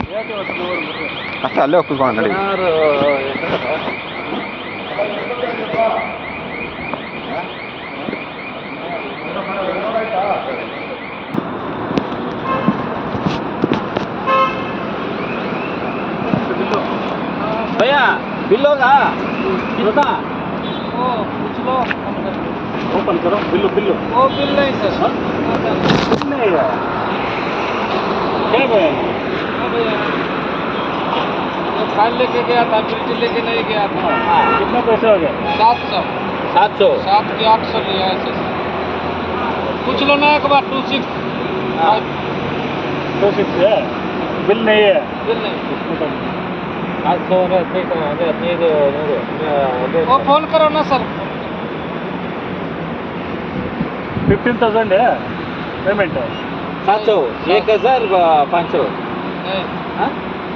ಅಷ್ಟೇ ಅಲ್ಲೇ ಹೋಗ್ಕೊಂಡು ನಡಿ. भैया बिल होगा कितना? ओ पूछ लो। ओपन करो बिल बिल। वो बिल नहीं सर। बिल नहीं है क्या भैया? वो फाइल लेके गया था, बिल लेके नहीं गया था। हाँ कितना पैसे हो गया? 700 7 के 800 लिया ऐसे। पूछ लो ना एक बार 26 है बिल नहीं है. बिल नहीं। वो फोन करो ना सर. 15,000 है पेमेंट. 700 1,500 नहीं. हाँ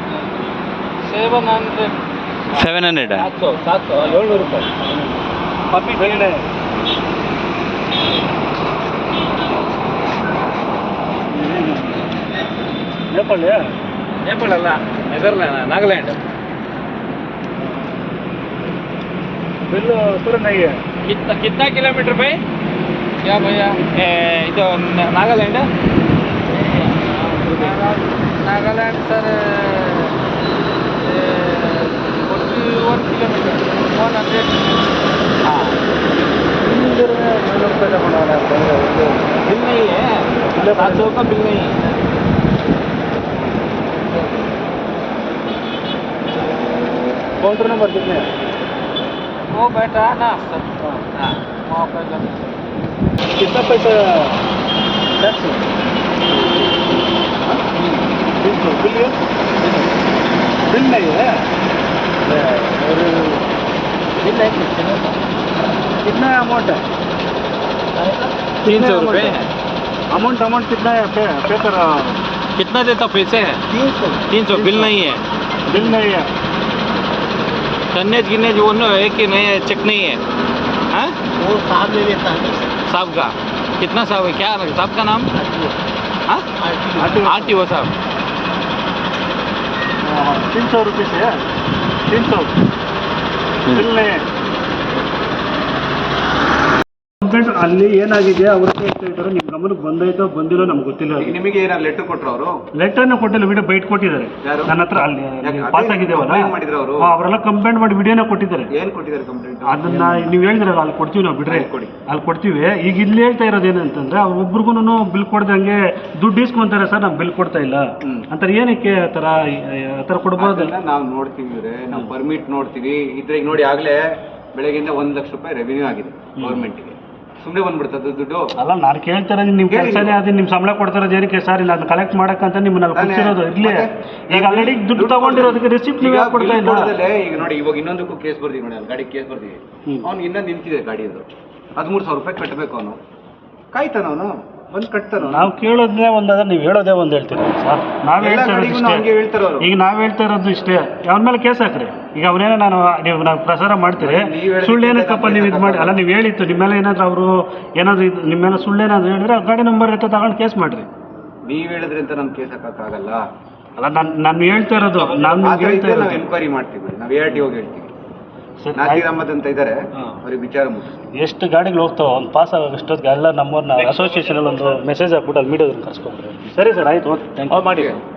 700 700 700 700 ರೂಪಾಯಿ ಕಾಪಿ ಬಿಲ್ है. नेपाल ಅಲ್ಲ ನೆದರ್ಲ್ಯಾಂಡ್ नागालैंड. बिल पूरा नहीं है. कितना किलोमीटर पे? क्या भैया? ಇದು नागालैंड नागालैंड सर 41 किलोमीटर 100. हाँ बिल नहीं है. 700 का बिल नहीं है. काउंटर नंबर कितने है? वो बैठा है ना सर. हाँ वहाँ पे सर. कितना पैसा टैक्स? 300 बिल है? बिल नहीं है. और बिल नहीं. कितना अमाउंट है? 300 रुपये है. अमाउंट कितना है? पे कर. कितना देता पैसे है? 300 बिल नहीं है. बिल नहीं है. टन्नेज गिन्नेज वो है कि नहीं है, चेक नहीं है. हाँ वो साहब ले लेता है. साहब का कितना साहब है? क्या साहब का नाम? हाँ RTO साहब. 300 रुपये से है. 300 बिल नहीं है. ಅಲ್ಲಿ ಏನಾಗಿದೆ ಅವ್ರು ಹೇಳ್ತಾ ಇದ್ದಾರೆ, ನಿಮ್ಮ ಗಮನಕ್ಕೆ ಬಂದೈತೋ ಬಂದಿಲ್ಲೋ ನಮ್ಗೆ ಗೊತ್ತಿಲ್ಲ. ನಿಮಗೆ ಏನಾದ್ರು ಲೆಟರ್ ಕೊಟ್ಟರು ಅವರು? ಲೆಟರ್ನ ಕೊಟ್ಟಿಲ್ಲ, ವಿಡಿಯೋ ಬೈಟ್ ಕೊಟ್ಟಿದ್ದಾರೆ ನನ್ನ ಹತ್ರ. ಅಲ್ಲಿ ಪಾಸ್ ಆಗಿದ್ದೇವಲ್ಲ ಅವರೆಲ್ಲ ಕಂಪ್ಲೇಂಟ್ ಮಾಡಿ ವಿಡಿಯೋನ ಕೊಟ್ಟಿದ್ದಾರೆ. ಏನ್ ಕೊಟ್ಟಿದ್ದಾರೆ ಕಂಪ್ಲೇಂಟ್? ಅದನ್ನ ನೀವು ಹೇಳಿದ್ರಲ್ಲ ಅಲ್ಲಿ ಕೊಡ್ತೀವಿ ನಾವು, ಬಿಡ್ರೆ ಅಲ್ಲಿ ಕೊಡ್ತೀವಿ. ಈಗ ಇಲ್ಲಿ ಹೇಳ್ತಾ ಇರೋದು ಏನಂತಂದ್ರೆ ಅವ್ರು ಒಬ್ರಿಗೂ ಬಿಲ್ ಕೊಡ್ದಂಗೆ ದುಡ್ಡು ಇಸ್ಕೊಂತಾರೆ ಸರ್, ನಾವು ಬಿಲ್ ಕೊಡ್ತಾ ಇಲ್ಲ ಅಂತಾರೆ. ಏನಕ್ಕೆ ಆ ಥರ ಕೊಡ್ಬೋದು? ನಾವು ನೋಡ್ತೀವಿ, ನಾವು ಪರ್ಮಿಟ್ ನೋಡ್ತೀವಿ. ಇದ್ರೆ ಈಗ ನೋಡಿ ಆಗ್ಲೇ ಬೆಳಗ್ಗೆಯಿಂದ 1 ಲಕ್ಷ ರೂಪಾಯಿ ರೆವಿನ್ಯೂ ಆಗಿದೆ ಗೌರ್ಮೆಂಟ್ಗೆ. ಸುಮ್ಮನೆ ಬಂದ್ಬಿಡ್ತದೆ ದುಡ್ಡು. ಅಲ್ಲ ನಾನು ಕೇಳ್ತಾ ಇರೋದು ನಿಮ್ಮ ಕೆಲಸನೇ ಅದು, ನಿಮ್ಮ ಸಂಬಳ ಕೊಡ್ತಾರೋದು ಏನಕ್ಕೆ ಸರ್? ಇಲ್ಲ ಅದನ್ನ ಕಲೆಕ್ಟ್ ಮಾಡಕ್ಕಂತ ನಿಮ್ಮನ್ನ ಕೂರ್ಸಿರೋದು ಇರ್ಲಿ. ಈಗ ಆಲ್ರೆಡಿ ದುಡ್ಡು ತಗೊಂಡಿರೋದಕ್ಕೆ ರಿಸಿಪ್ಟ್ ನೀವು ಯಾಕೆ ಕೊಡ್ತಾ ಇಲ್ಲ? ಈಗ ನೋಡಿ ಇವಾಗ ಇನ್ನೊಂದಕ್ಕೂ ಕೇಸ್ ಬರ್ತೀವಿ ನೋಡಿ, ಅಲ್ಲಿ ಗಾಡಿ ಕೇಸ್ ಬರ್ತೀವಿ. ಅವ್ನು ಇನ್ನೊಂದು ನಿಂತಿದೆ ಗಾಡಿ, ಅದು 13,000 ರೂಪಾಯಿ ಕಟ್ಟಬೇಕು. ಅವನು ಕಾಯ್ತಾನ, ಅವನು ಬಂದು ಕಟ್ತಾನ. ನಾವು ಕೇಳೋದೇ ಒಂದಾದ್ರೆ ನೀವು ಹೇಳೋದೇ ಒಂದು ಹೇಳ್ತೀರಿ ಸರ್. ನಾವು ಹೇಳ್ತಾ ಇರೋದು ಈಗ ನಾವು ಹೇಳ್ತಾ ಇರೋದು ಇಷ್ಟೇ. ಅವನ ಮೇಲೆ ಕೇಸ್ ಹಾಕ್ರಿ. ಈಗ ಅವನೇನೋ ನಾವು ಪ್ರಸಾರ ಮಾಡ್ತೀರಿ, ಸುಳ್ಳು ಏನಕ್ಕಪ್ಪ ನೀವು ಇದು ಮಾಡಿ. ಅಲ್ಲ ನೀವು ಹೇಳಿತ್ತು ನಿಮ್ಮ ಮೇಲೆ ಏನಾದರೂ ಅವರು ಏನಾದರೂ ನಿಮ್ಮ ಮೇಲೆ ಸುಳ್ಳು ಏನಾದರೂ ಹೇಳಿದ್ರೆ ಗಾಡಿ ನಂಬರ್ ಇತ್ತು ತಗೊಂಡು ಕೇಸ್ ಮಾಡಿರಿ. ನೀವು ಹೇಳಿದ್ರಿ ಅಂತ ನಮ್ಗೆ ಕೇಸ್ ಹಾಕೋಕ್ಕಾಗಲ್ಲ. ಅಲ್ಲ ನಾನು ಹೇಳ್ತಾ ಇರೋದು, ನಾನು ಹೇಳ್ತಾ ಇರೋದು ಎನ್ಕ್ವೈರಿ ಮಾಡ್ತೀವಿ, ನಾವು ARTO ಹೇಳ್ತೀವಿ. ನಾಸೀರ್ ಅಹಮದ್ ಅಂತ ಇದ್ದಾರೆ, ಅವ್ರಿಗೆ ವಿಚಾರ ಮುಗಿಸಿ. ಎಷ್ಟು ಗಾಡಿಗಳು ಹೋಗ್ತಾವೆ ಒಂದು ಪಾಸ್ ಆಗೋಷ್ಟೊತ್ತಿಗೆ ಎಲ್ಲ ನಮ್ಮವ್ರನ್ನ ಅಸೋಸಿಯೇಷನಲ್ಲಿ ಒಂದು ಮೆಸೇಜ್ ಹಾಕ್ಬಿಟ್ಟು ಅಲ್ಲಿ ಮೀಡಿಯಾದಲ್ಲಿ ಕರ್ಸ್ಕೊಂಡ್ರೆ. ಸರಿ ಸರ್, ಆಯ್ತು, ಓಕೆ, ಥ್ಯಾಂಕ್ ಯು. ಮಾಡಿ.